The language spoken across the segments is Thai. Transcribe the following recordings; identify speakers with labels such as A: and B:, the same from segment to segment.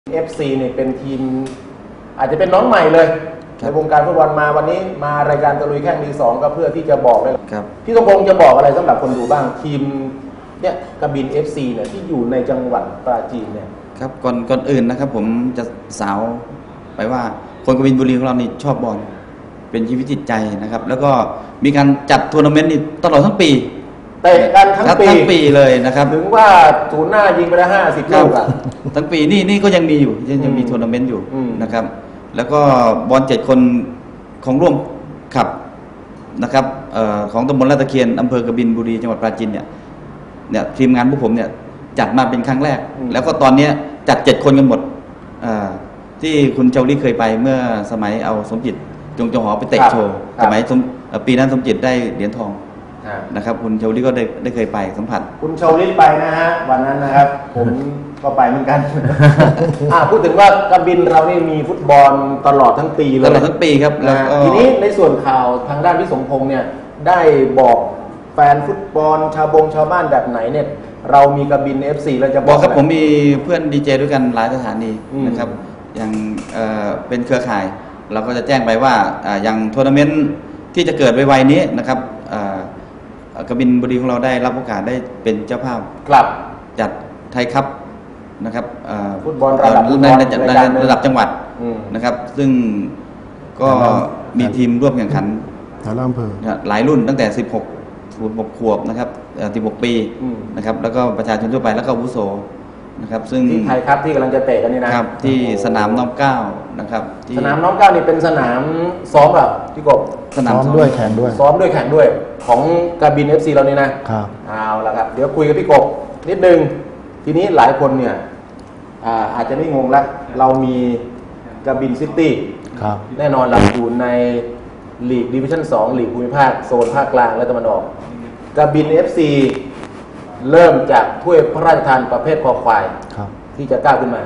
A: FC เนี่ยเป็นทีมอาจจะเป็นน้องใหม่เลยในวงการฟุตบอลมาวันนี้มารายการตะลุยแข่งดีสองก็เพื่อที่จะบอกเลยพี่สมพงษ์จะบอกอะไรสำหรับคนดูบ้างทีมเนี่ยกบิน FC เนี่ยที่อยู่ในจังหวัดปราจีนเนี่ย
B: ครับก่อนอื่นนะครับผมจะสาวไปว่าคนกบินบุรีของเรานี่ชอบบอลเป็นชีวิตจิตใจนะครับแล้วก็มีการจัดทัวร์นาเมนต์นี่ตลอดทั้งปี
A: เตะกันทั้ง
B: ปีเลยนะครับ
A: ถึงว่าศูนย์หน้ายิงไปได้50 ลูกอ่ะ
B: ทั้งปีนี่ก็ยังมีอยู่ยังมีทัวร์นาเมนต์อยู่นะครับแล้วก็บอล7 คนของร่วมขับนะครับของตำบลลาดตะเคียนอำเภอกบินบุรีจังหวัดปราจีนเนี่ยทีมงานพวกผมเนี่ยจัดมาเป็นครั้งแรกแล้วก็ตอนนี้จัด7 คนกันหมดที่คุณเจ้าลี่เคยไปเมื่อสมัยเอาสมจิตจงหอไปเตะโชว์สมัยปีนั้นสมจิตได้เหรียญทองนะครับคุณเชาลี่ก็ได้เคยไปสัมผัส
A: คุณเชาลี่ไปนะฮะวันนั้นนะครับผมก็ไปเหมือนกันพูดถึงว่ากบินเรานี่มีฟุตบอลตลอดทั้งปีเลย
B: ตลอดทั้งปีครับ
A: ทีนี้ในส่วนข่าวทางด้านพี่สมพงษ์เนี่ยได้บอกแฟนฟุตบอลชาวบ้านแบบไหนเนี่ยเรามีกบิน FC เราจะ
B: บอกครับผมมีเพื่อนดีเจด้วยกันหลายสถานีนะครับอย่างเป็นเครือข่ายเราก็จะแจ้งไปว่าอย่างทัวร์นาเมนต์ที่จะเกิดไวๆนี้นะครับกบินบุรีของเราได้รับโอกาสได้เป็นเจ้าภาพจัดไทยคัพนะครับ
A: ฟุตบอลระดับ
B: จังหวัดนะครับซึ่งก็มีทีมร่วมแข่งขันหลายรุ่นตั้งแต่16 ขวบนะครับ16 ปีนะครับแล้วก็ประชาชนทั่วไปแล้วก็อาวุโสนะครับซึ่ง
A: ที่ไทยคัพที่กำลังจะเตะกันนี่นะครับ
B: ที่สนามน้อมเกล้านะครับ
A: สนามน้อมเกล้านี่เป็นสนามซ้อมแบบพี่กบ
C: ซ้อมด้วยแข่งด้วย
A: ซ้อมด้วยแข่งด้วยของกบิน FC เรานี่นะครับเอาละครับเดี๋ยวคุยกับพี่กบนิดนึงทีนี้หลายคนเนี่ยอาจจะไม่งงละเรามีกบินซิตี้แน่นอนเราอยู่ในลีกดิวิชั่น2ลีกภูมิภาคโซนภาคกลางและตะวันออกกบิน FC เริ่มจากถ้วยพระราชทานประเภทคอควายที่จะก้าวขึ้นมา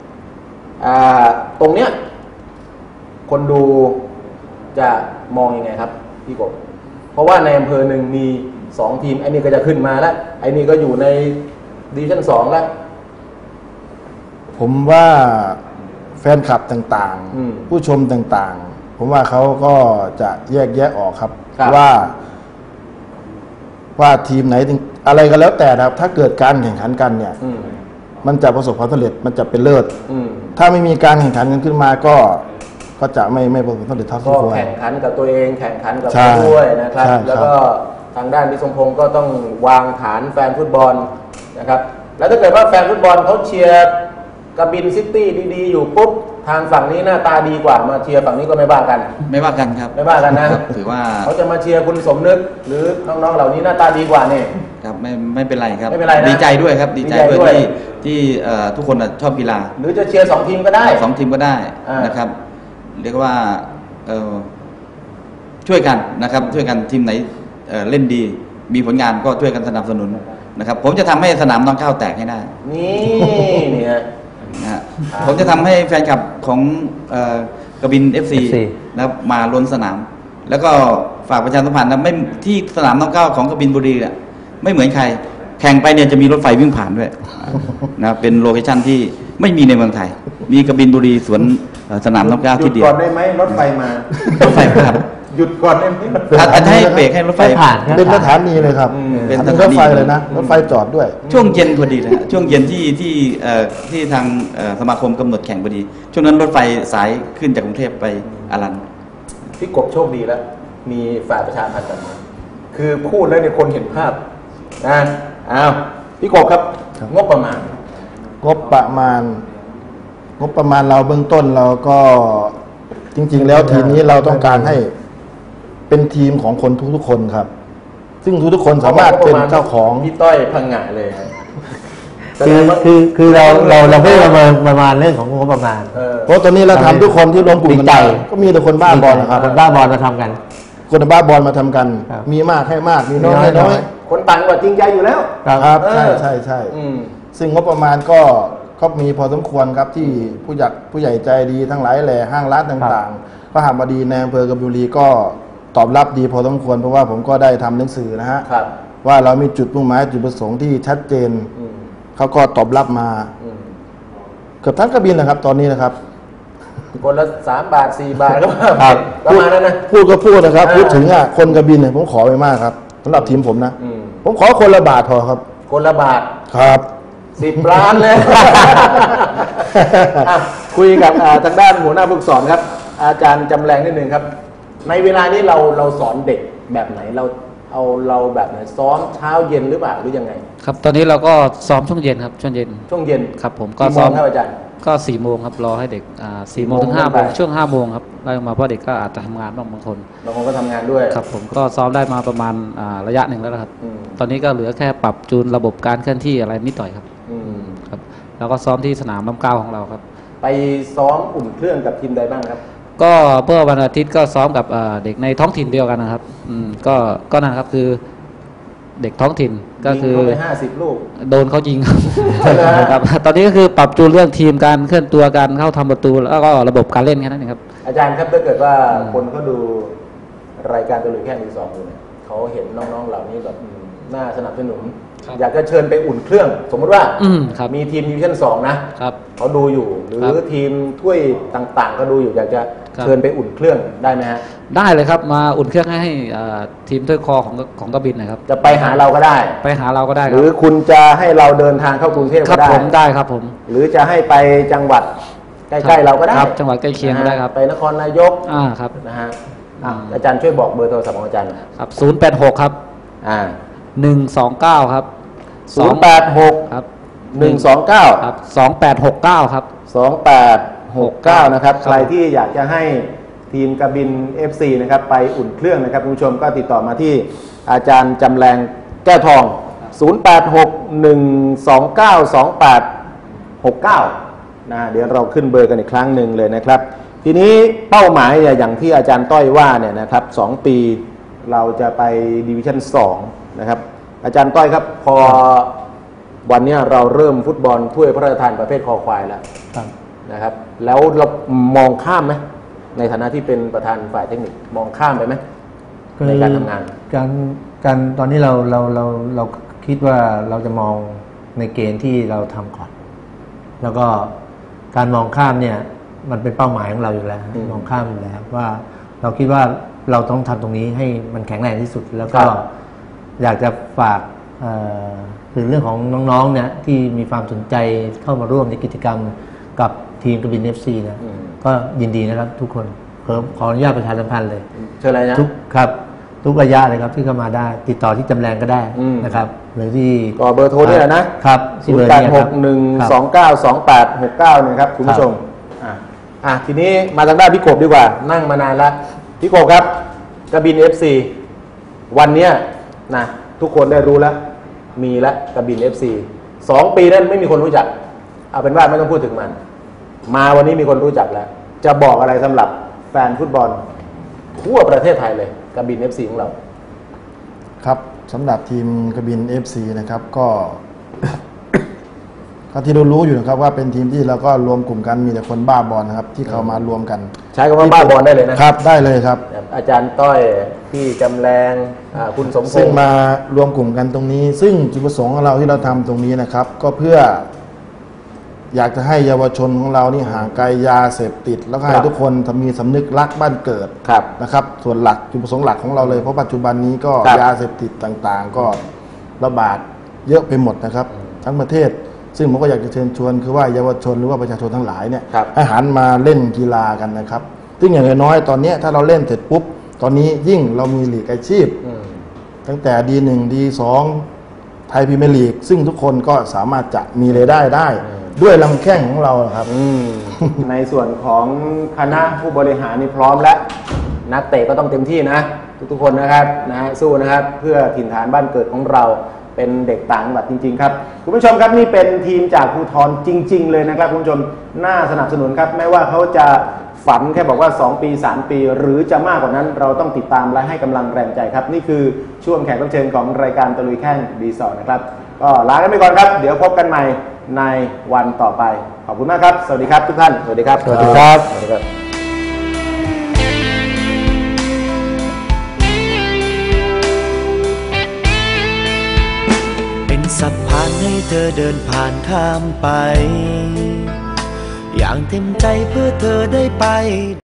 A: ตรงเนี้ยคนดูจะมองยังไงครับพี่กบเพราะว่าในอำเภอหนึ่งมี2 ทีมไอ้นี่ก็จะขึ้นมาแล้วไอ้นี่ก็อยู่ในดิวิชั่น2แล้ว
C: ผมว่าแฟนคลับต่างๆผู้ชมต่างๆผมว่าเขาก็จะแยกแยะออกครับว่าทีมไหนอะไรก็แล้วแต่ครับถ้าเกิดการแข่งขันกันเนี่ยมันจะประสบความสำเร็จมันจะเป็นเลิศถ้าไม่มีการแข่งขันกันขึ้นมาก็จะไม่ประสบความสำเร็จเท่าที่ควร
A: แข่งขันกับตัวเองแข่งขันกับผู้ด้วยนะครับแล้วก็ทางด้านพี่สมพงษ์ก็ต้องวางฐานแฟนฟุตบอลนะครับแล้วถ้าเกิดว่าแฟนฟุตบอลเขาเชียร์กบินซิตี้ดีๆอยู่ปุ๊บทางฝั่งนี้หน้าตาดีกว่ามาเชียร์ฝั่งนี้ก็ไม่ว่ากัน
B: ครับไม่ว่ากันนะ
A: ถือว่าเขาจะมาเชียร์คุณสมนึกหรือน้องๆเหล่านี้หน้าตาดีกว่าเนี่ย
B: ครับไม่เป็นไรครับ
A: ไม่เป็นไรนะ
B: ดีใจด้วยครับดีใจด้วยที่ทุกคนชอบกีฬา
A: หรือจะเชียร์2 ทีมก็ได้
B: 2 ทีมก็ได้นะครับเรียกว่าช่วยกันนะครับช่วยกันทีมไหนเล่นดีมีผลงานก็ช่วยกันสนับสนุนนะครับผมจะทำให้สนามน้องเก้าแตกให้ได้
A: นี่ฮะ
B: ผมจะทำให้แฟนคลับของกบิน FC นะครับมาล้นสนามแล้วก็ฝากประชาสัมพันธ์นะไม่ที่สนามน้องเก้าของกบินบุรีเนี่ยไม่เหมือนใครแข่งไปเนี่ยจะมีรถไฟวิ่งผ่านด้วยนะเป็นโลเคชั่นที่ไม่มีในเมืองไทยมีกบินบุรีสวนสนามน้องเก้าที่เดียว
A: หยุดก่อนได้ไหมรถไฟมาร
B: ถไฟผ่าน
A: หยุดก่อนได้ไหม
B: อาจจะให้เบรกให้รถไฟ
C: ผ่านเป็นสถานีเลยครับเป็นรถไฟเลยนะรถไฟจอดด้วย
B: ช่วงเย็นพอดีเลยช่วงเย็นที่ทางสมาคมกำหนดแข่งพอดีช่วงนั้นรถไฟสายขึ้นจากกรุงเทพไปอารัน
A: พี่กบโชคดีแล้วมีฝ่ายประชาสัมพันธ์คือพูดแล้วเนี่ยคนเห็นภาพนะพี่กบครับงบประมาณ
C: เราเบื้องต้นเราก็จริงๆแล้วทีมนี้เราต้องการให้เป็นทีมของคนทุกๆคนครับซึ่งทุกๆคนสามารถเป็นเจ้าของ
A: พี่ต้อยพังงะเลย
D: คือเราไม่ประมาณเรื่องของงบประมาณ
C: เพราะตอนนี้เราทำทุกคนที่รวมกลุ่มกันก็มีแต่คนบ้าบอลนะครับ
D: คนบ้าบอลมาทำกัน
C: คนบ้าบอลมาทำกันมีมากให้มากมีน้อยให้น้อย
A: คนต่างกว่าจริงใจอยู่แล้ว
C: ครับใช่ซึ่งงบประมาณก็มีพอสมควรครับที่ผู้ใหญ่ใจดีทั้งหลายแหล่ห้างร้านต่างๆพระหบดีในอำเภอกบินบุรีก็ตอบรับดีพอสมควรเพราะว่าผมก็ได้ทำหนังสือนะฮะว่าเรามีจุดมุ่งหมายจุดประสงค์ที่ชัดเจนเขาก็ตอบรับมาเกือบทั้งกระบินนะครับตอนนี้นะครับ
A: คนละ3 บาท 4 บาทก็
C: ครับ
A: ประมาณนั้นนะ
C: พูดก็พูดนะครับ
A: อ่า
C: พูดถึงคนกระบินเนี่ยผมขอไปมากครับสำหรับทีมผมนะ
A: อืม
C: ผมขอคนละบาทพอครับ
A: คนละบาท
C: ครับ
A: 10 ล้านเลย อ่ะคุยกับทางด้านหัวหน้าผู้ฝึกสอนครับ อาจารย์จำแรงนิดนึงครับ ในเวลานี้เราสอนเด็กแบบไหนเราแบบไหนซ้อมเช้าเย็นหรือเปล่าหรือยังไง
E: ครับตอนนี้เราก็ซ้อมช่วงเย็นครับช่วงเย็น
A: ช่วงเย็น
E: ครับผมก็
A: กี่โม
E: ซ้อง ม
A: ครับอาจารย์
E: ก็4 โมงครับรอให้เด็ก4 โมงถึง
A: 4
E: 5 โมง
A: ไป
E: ช่วง5 โมงครับไล่ลงมาเพราะเด็กก็อาจจะทำงานบางคน
A: บางคนก็ทำงานด้วย
E: ครับผมก็ซ้อมได้มาประมาณระยะหนึ่งแล้วนะครับ
A: อืม
E: ตอนนี้ก็เหลือแค่ปรับจูนระบบการเคลื่อนที่อะไรนิดหน่อยครับ
A: อืม
E: ครับแล้วก็ซ้อมที่สนามลำเกล้าของเราครับ
A: ไปซ้อมอุ่นเครื่องกับทีมใดบ้างครับ
E: ก็เมื่อวันอาทิตย์ก็ซ้อมกับเด็กในท้องถิ่นเดียวกันนะครับก็นั่นครับคือเด็กท้องถิ่นก็คือ
A: ยิงเข้าไป50 ลูก
E: โดนเขายิงครับ
A: ใช่ไหมฮะ
E: ครับ ตอนนี้ก็คือปรับจูนเรื่องทีมการเคลื่อนตัวการเข้าทำประตูแล้วก็ระบบการเล่นแค่นั้นเองครับ
A: อาจารย์ครับถ้าเกิดว่าคนเขาดูรายการตัวเลยแค่มือสองอยู่เนี่ยเขาเห็นน้องๆเหล่านี้แบบน่าสนับสนุน
E: ครับ
A: อยากจะเชิญไปอุ่นเครื่อง สมมติว่า
E: ครับ
A: มีทีมดิวิชั่น2นะครับ เขาดูอยู่หรือ
E: ครับ
A: ทีมถ้วยต่างๆ ก็ดูอยู่อยากจะ
E: ครับ
A: เชิญไปอุ่นเครื่องได้ไหมฮะ
E: ได้เลยครับมาอุ่นเครื่องให้ทีมถ้วยคอของกบินนะครับ
A: จะไปหาเราก็ได้
E: ไปหาเราก็ได้
A: ห
E: ค
A: รื
E: รั
A: อบ คุณจะให้เราเดินทางเข้ากรุงเทพ
E: ครั
A: ก็
E: บ
A: ได้
E: ผมได้ครับผม
A: หรือจะให้ไปจังหวัดใกล้ๆเราก็ได้
E: ครับจังหวัดใกล้เคียงก็ได้ครับ
A: ไปนครนายก
E: ครับ
A: นะฮะอาจารย์ช่วยบอกเบอร์โทรศัพท์ของอาจารย์หน่อย
E: ครับ086ครับ
A: อ่า
E: 129ครับ
A: 086
E: ครับ
A: 129
E: ครับ2869ครับ
A: 2869 นะครับ
E: ครับ
A: ใครที่อยากจะให้ทีมกบิน FC นะครับไปอุ่นเครื่องนะครับคุณผู้ชมก็ติดต่อมาที่อาจารย์จำแรงแก้วทอง 0861292869 นะเดี๋ยวเราขึ้นเบอร์กันอีกครั้งหนึ่งเลยนะครับ ทีนี้เป้าหมายเนี่ยอย่างที่อาจารย์ต้อยว่าเนี่ยนะครับ2 ปีเราจะไปดิวิชั่น2นะครับอาจารย์ต้อยครับพอวันเนี้ยเราเริ่มฟุตบอลถ้วยพระราชทานประเภทคอควายแล้ว
D: ครับ
A: นะครับแล้วเรามองข้ามไหมในฐานะที่เป็นประธานฝ่ายเทคนิคมองข้ามไปไหมในการทำงาน
D: การตอนนี้เราคิดว่าเราจะมองในเกณฑ์ที่เราทำก่อน แล้วก็การมองข้ามเนี่ยมันเป็นเป้าหมายของเราอยู่แล้ว มองข้ามอยู่แล้วว่าเราคิดว่าเราต้องทำตรงนี้ให้มันแข็งแรงที่สุด แล้วก็
A: ครับ
D: อยากจะฝากถึงเรื่องของน้องๆเนี่ยที่มีความสนใจเข้ามาร่วมในกิจกรรมกับทีมกบิน FC นะก็ยินดีนะครับทุกคนขออนุญาตประชาสัมพันธ์เลย
A: เชิญอะไรนะ
D: ทุกครับทุกระยะเลยครับที่เข้ามาได้ ติดต่อที่จำแรงก็ได้นะครับหรือที่
A: ก็เบอร์โทรนี่แหละนะครับ
D: ที่เบอร์นี้ครับ
A: 0861292869นะครับคุณผู้ชมทีนี้มาทางด้านพี่กบดีกว่านั่งมานานแล้วพี่กบครับกบิน FC วันเนี้ยนะทุกคนได้รู้แล้วมีแล้วกบิน FC 2 ปีนั้นไม่มีคนรู้จักเอาเป็นว่าไม่ต้องพูดถึงมันมาวันนี้มีคนรู้จักแล้ว จะบอกอะไรสำหรับแฟนฟุตบอลทั่วประเทศไทยเลยกบิน FC ของเรา
C: ครับสำหรับทีมกบิน FC นะครับก็ ก็ที่เรารู้อยู่นะครับว่าเป็นทีมที่เราก็รวมกลุ่มกันมีแต่คนบ้าบอลนะครับที่เขามารวมกัน
A: ใช้คำว่าบ้าบอลได้เลยนะครับ
C: ได้เลยครับ
A: อาจารย์ต้อยพี่จำแรงคุณสมพ
C: ซึ่ง
A: งษ์
C: มารวมกลุ่มกันตรงนี้ ซึ่งจุดประสงค์ของเราที่เราทำตรงนี้นะครับ ก็เพื่อ อยากจะให้เยาวชนของเรานี่ห่างไกลยาเสพติด แล้วก็ให้ทุกคนมีสำนึกรักบ้านเกิด
A: ครับ
C: นะครับ ส่วนหลักจุดประสงค์หลักของเราเลยเพราะปัจจุบันนี้ก็
A: ครับ
C: ยาเสพติดต่างๆ ก็ระบาดเยอะไปหมดนะครับ ทั้งประเทศ ซึ่งผมก็อยากจะเชิญชวนคือว่าเยาวชนหรือว่าประชาชนทั้งหลายเนี่ย
A: ครับ
C: ให้หันมาเล่นกีฬากันนะครับ ซึ่งอย่างน้อยๆตอนนี้ถ้าเราเล่นเสร็จปุ๊บตอนนี้ยิ่งเรามีลีกอาชีพ ตั้งแต่ D1 D2 ไทยพรีเมียร์ลีกซึ่งทุกคนก็สามารถจะมีรายได้ได้ ด้วยลำแข้งของเราครับ
A: ในส่วนของคณะผู้บริหารนี่พร้อมแล้ว นักเตะก็ต้องเต็มที่นะ ทุกๆคนนะครับสู้นะครับ เพื่อถิ่นฐานบ้านเกิดของเราเป็นเด็กต่างจังหวัดจริงๆครับคุณผู้ชมครับนี่เป็นทีมจากภูธรจริง ๆ เลยนะครับคุณผู้ชมน่าสนับสนุนครับไม่ว่าเขาจะฝันแค่บอกว่า2 ปี 3 ปี หรือจะมากกว่านั้นเราต้องติดตามและให้กำลังแรงใจครับนี่คือช่วงแขกรับเชิญของรายการตะลุยแข้งดีสอร์นะครับก็ลากันไปก่อนครับเดี๋ยวพบกันใหม่ในวันต่อไปขอบคุณมากครับสวัสดีครับทุกท่านสวัสดีครับสวัสดีครับสวัสดีครับ
F: เป็นสะพานให้เธอเดินผ่านข้ามไปอย่างเต็มใจเพื่อเธอได้ไป